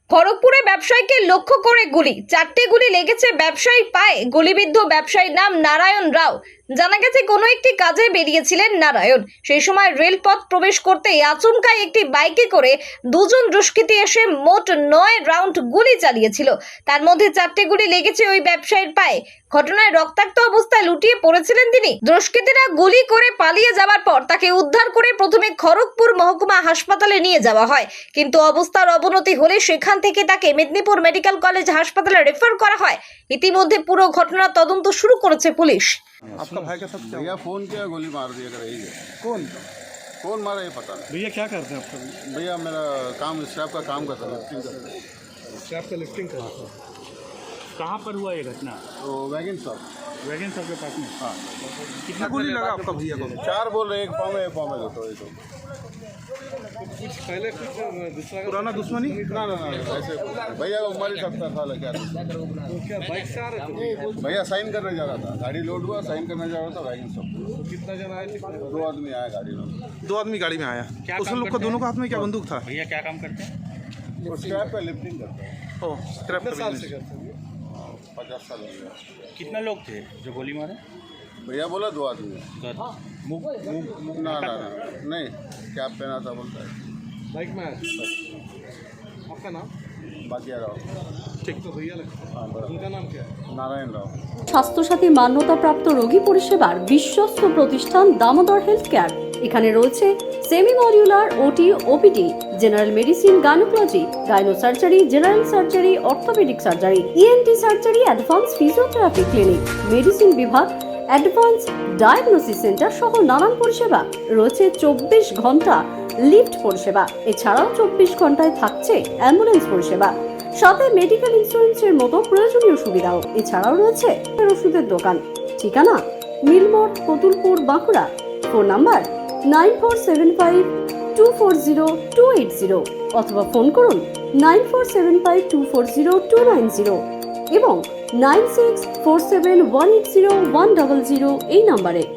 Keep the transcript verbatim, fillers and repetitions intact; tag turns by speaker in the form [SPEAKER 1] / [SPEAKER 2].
[SPEAKER 1] খড়গপুরে ব্যবসায়ীকে লক্ষ্য করে গুলি, চারটি গুলি লেগেছে ব্যবসায়ীর পায়ে। গুলিবিদ্ধ ব্যবসায়ীর নাম নারায়ণ রাও। জানা গেছে কোনো একটি কাজে বেরিয়েছিলেন নারায়ণ। সেই সময় রেলপথ প্রবেশ করতেই আচমকাই একটি বাইকে করে দুজন দুষ্কৃতী এসে মোট নয় রাউন্ড গুলি চালিয়েছিল। তার মধ্যে চারটি গুলি লেগেছে ওই ব্যবসায়ীর পায়ে। ঘটনায় রক্তাক্ত অবস্থায় লুটিয়ে পড়েছিলেন তিনি। দুষ্কৃতীরা গুলি করে পালিয়ে যাওয়ার পর তাকে উদ্ধার করে প্রথমে খড়গপুর মহকুমা হাসপাতালে নিয়ে যাওয়া হয়, কিন্তু অবস্থার অবনতি হলে সেখান থেকে তাকে মেদিনীপুর মেডিকেল কলেজ হাসপাতালে রেফার করা হয়। ইতিমধ্যে পুরো ঘটনার তদন্ত শুরু করেছে পুলিশ।
[SPEAKER 2] आपका भाई का साथ क्या
[SPEAKER 3] भैया फ़ोन किया, गोली मार दिया कर यही है।
[SPEAKER 2] कौन
[SPEAKER 3] कौन मारा ये पता नहीं।
[SPEAKER 2] भैया क्या करते हैं आपका
[SPEAKER 3] भैया मेरा काम स्टाफ का काम करता था, लिफ्टिंग करता था।
[SPEAKER 2] क्या आपका लिफ्टिंग करते हैं?
[SPEAKER 4] कहाँ पर हुआ ये घटना?
[SPEAKER 3] तो वैगन शॉप।
[SPEAKER 4] वैगन सब के पास में।
[SPEAKER 3] हाँ,
[SPEAKER 2] कितना गोली लगा आपका भैया को?
[SPEAKER 3] चार बोल रहे, एक पाँव में एक पाँव में दो, तो ये तो
[SPEAKER 2] कुछ पहले कुछ पुराना दुश्मनी?
[SPEAKER 3] ना ना ना ऐसे भैया को मार ही सकता था, क्या
[SPEAKER 2] क्या बाइक से आ रहे थे?
[SPEAKER 3] भैया साइन करने जा रहा था, गाड़ी लोड हुआ, साइन करने जा रहा था वैगन शॉप।
[SPEAKER 2] कितना जन आए थे?
[SPEAKER 3] दो आदमी आया गाड़ी में।
[SPEAKER 2] दो आदमी गाड़ी में आया।
[SPEAKER 4] क्या
[SPEAKER 2] उस
[SPEAKER 4] काम
[SPEAKER 2] लोग को
[SPEAKER 4] करते
[SPEAKER 2] दोनों
[SPEAKER 4] हैं?
[SPEAKER 2] का हाथ में क्या बंदूक था?
[SPEAKER 4] भैया क्या काम करते हैं?
[SPEAKER 3] वो स्क्रैप का लिफ्टिंग करता है।
[SPEAKER 2] ओ स्क्रैप का बिजनेस।
[SPEAKER 3] पचास साल हो गया।
[SPEAKER 4] कितना लोग थे जो गोली मारे?
[SPEAKER 3] भैया बोला दो आदमी।
[SPEAKER 4] तो मुंह मुंह मुंह
[SPEAKER 3] ना ना ना नहीं, कैप पहना था बोलता है।
[SPEAKER 2] बाइक में आया। आपका नाम?
[SPEAKER 3] बाकी राव।
[SPEAKER 2] ठीक तो भैया लगा।
[SPEAKER 3] हाँ बराबर।
[SPEAKER 2] उनका नाम क्या है?
[SPEAKER 3] नारायण राव।
[SPEAKER 5] স্বাস্থ্যসাথী মান্যতাপ্রাপ্ত রোগী পরিষেবার বিশ্বস্ত প্রতিষ্ঠান দামোদর হেলথ কেয়ার। এখানে রয়েছে semi modular OT, OPD, general medicine, gynaecology, gynae surgery, general surgery, orthopaedic surgery, ENT surgery, advance physiotherapy clinic, medicine বিভাগ, অ্যাডভান্স ডায়াগনোসিস সেন্টার সহ নানান পরিষেবা রয়েছে। চব্বিশ ঘন্টা লিফট পরিষেবা, এছাড়াও চব্বিশ ঘন্টায় থাকছে অ্যাম্বুলেন্স পরিষেবা, সাথে মেডিকেল ইন্স্যুরেন্সের মতো প্রয়োজনীয় সুবিধাও। এছাড়াও রয়েছে ওষুধের দোকান। ঠিকানা Milmor, Kotulpur, Bankura. Phone number nine four seven five two four zero two eight zero অথবা ফোন করুন nine four seven five two four zero two nine zero এবং nine six four seven one eight zero one double zero এই নাম্বারে।